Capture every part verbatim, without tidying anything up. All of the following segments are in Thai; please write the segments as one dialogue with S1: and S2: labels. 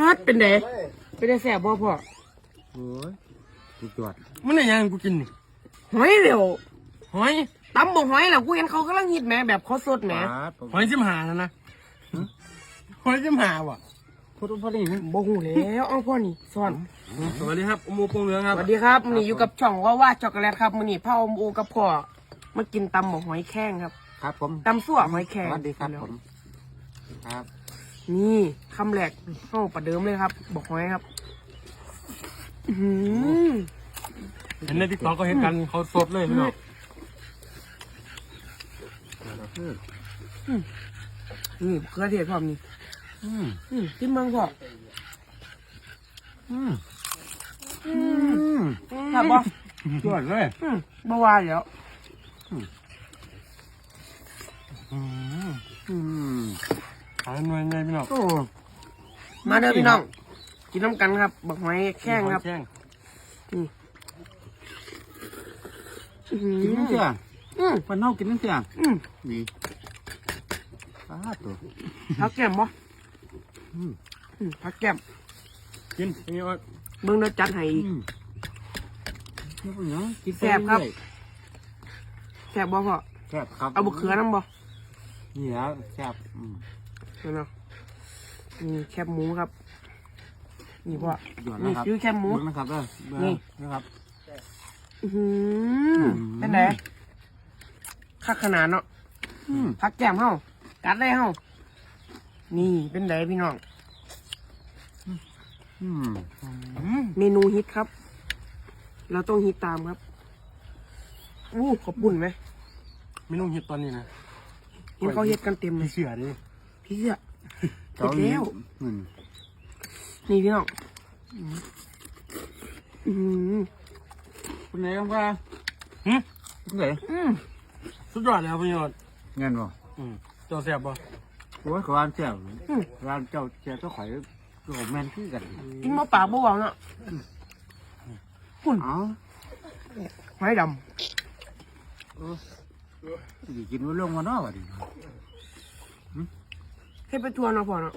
S1: ดเป็นไงเป็นไงแสบบ่พ่อ
S2: โอ้ยสุดยอด
S3: มันอะไรยังกูกินนี่
S1: หอยเร็ว
S3: หอย
S1: ตำบ่หอยแล้วกูเห็นเขากำลังฮิตแหมแบบเขาสดแหม
S3: หอยจิ้มหาแล้วนะหอยจิ้มหาว่ะ
S1: พอพอดีบ่หูแล้วเอาพ่อนี่สอน
S3: สวัสดีครับอมโอปงเหลืองครับ
S1: สวัสดีครับมื้อนี้อยู่กับช่องว่าว่าช็อกโกแลตครับมื้อนี้พ่ออมโอกับพ่อมากินตำบ่หอยแข้งครับ
S2: ครับผม
S1: ตำซั่วหอยแข้ง
S2: สวัสดีครับผมครับ
S1: นี่คำแรกเข้าประเดิมเลยครับบ่หอยครับอืม
S3: เห็นในติ๊กต็อกก็เห็นกันเขาสดเลยพี่น้อง
S1: นี่เครือเทศพร้อมนี่อืมอืมจิ้มมังพ่อ
S2: อืมอืม
S1: ครับบ่
S2: สวยเลย
S1: อืมบ่ว่าแล้ว
S3: อืม
S2: อืม
S3: ขายหน่วยไงพี่น้อง
S1: โอ้มาเด้อพี่น้องกินน้ำกันครับบักหอยแข้งครับ
S3: นี่
S2: กินน้ำเสีย
S1: อืม
S2: วันนอกกินน้ำเสีย
S1: อืม
S2: นี่ป้าตัว
S1: พักแก้มบ่
S2: อืม
S1: พักแก้ม
S3: กินนี่ว่า
S1: เบิ่งแล้วจัดให้อีก
S2: นี่เป็นยังกิน
S1: แซ่บครับแซ่บบ่พ่อ
S2: แซ่บครับ
S1: เอาบะเขือน้ำบ่
S2: นี่แล้วแซ่บอืม
S1: เนาะนี่แคบหมูครับนี่พ่อ
S2: นี่
S1: คือแคบหมู
S2: นะครับเด้อนี่นะครับ
S1: อืมเป็นไงคักขนาดเนาะพักแก้มเฮากัดได้เฮานี่เป็นไงพี่น้องเมนูฮิตครับ เราต้องฮิตตามครับอู้ขอบบุญไหม
S3: เมนูฮิตตอนนี้นะ
S1: เห็นเขาฮิตกันเต็มเลย
S3: พี่เสือดิ
S1: พี่เสือเสร็จแล้วนี่พี่น้องอืม
S2: คุณไหนครับว่า
S3: หืม
S2: คุณไหน
S3: สุดยอดเลยครับพี่ยอด
S2: เงินบ่
S3: อืมเจ้าแซ่บบ่
S2: โอ้ยขวานเจ้าร้านเจ้าเจ้าเจ้าข่อยโรแมนที่กัน
S1: กินมะปากบ่หวังอ่ะคุณ
S2: อ๋อ
S1: หอยดำ
S2: กินว่าลงมาเนาะวะดิ
S1: ให้ไปทัวร์เนาะพ่อเนาะ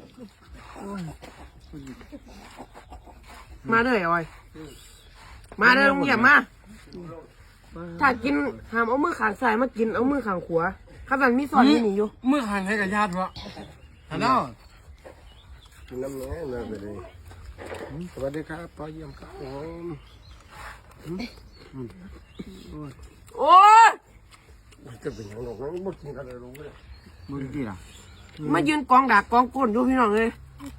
S1: มาเลยออยมาเลยลุงเยี่ยมมาถ้ากินห้ามเอามือขางซ้ายมากินเอามือขางขวาข้าสันมีสอนที่นี่อยู่
S3: มือหันให้กับญาติวะฮัลโหล
S2: กินน้ำแหน่น่าไปเลยสวัสดีครับพ่อเยี่ยมครับผม
S1: โอ้ย
S2: จะเป็นยังไงหรอกนะไม่กินอะไรรู้เลยมึงกี่ล่ะ
S1: มายืนกองดากกองก้นดูพี่น้องเลย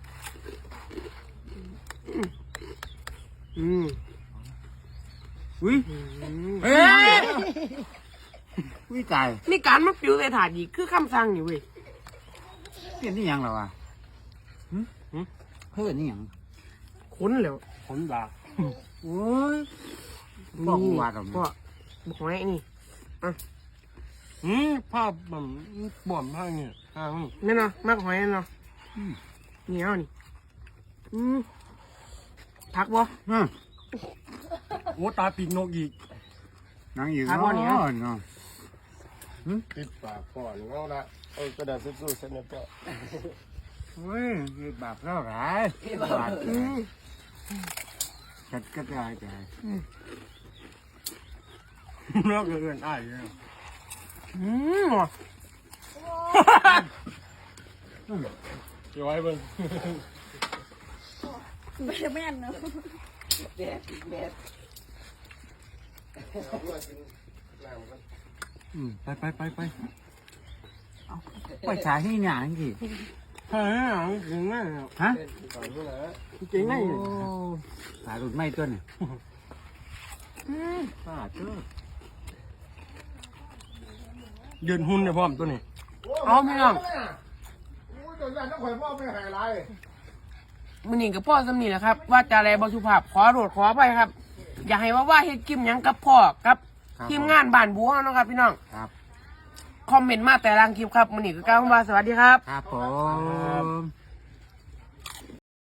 S1: อืม
S2: อุ้ยเฮ้ยอุ้ยตาย
S1: นี่การมาปิวใส่ถาดอีกคือคำสั่งอยู่เว้ย
S2: เปลี่ยนนี่ยังเหรอวะเฮ้ยนี่ยัง
S1: ขนแล้ว
S3: ขนดา
S2: โอ้ยบอกว่าตรงนี้
S1: ก็บอกไว้นี่อ่ะ
S3: อืมภาพแบบบ่อมผ้าเนี่ยอ่า
S1: นี่เนาะมากหอยเนาะเหนียวนี่อืมพักบ่
S3: โอ้ตาปีกนกอีก
S2: นั่งอยู่
S1: พักบ่เนี่ย
S2: เนาะ
S3: ติดปากก่อนเอาละเอากระดาษสู้ๆเส้นนี้ก็
S2: เฮ้ยบาปแล้วหรอบาปจัดกระจายใจ
S3: แล้วเกินอ้ายเนี่ย
S1: อืม
S3: เดี๋ยวไว้เบิ่ง
S4: ไม่แม่นเนาะ
S2: แดดแดด
S3: ไปไปไปไป
S2: ไปฉายให้หนังสิ
S3: เฮ้ยหนังจริงไหม
S2: ฮะ
S3: จริงไหม
S2: สายหลุดไม่ตัวเนี่ยป้าเจ้า
S3: เดินหุ่นเนี่ยพร้อมตัวนี้
S1: เอาพี่น้องมันนี่กับพ่อสำนีแหละครับว่าจะอะไรบสุภาพขอโทษขอไปครับอย่าให้ว่าว่าเฮ็ดกิมยังกับพ่อครับทีมงานบ้านบัวนะครับพี่น้อง
S2: ครับ
S1: คอมเมนต์มาแต่ละคลิปครับมันนี่ก็กล่าวว่าสวัสดีครับ
S2: ครับผม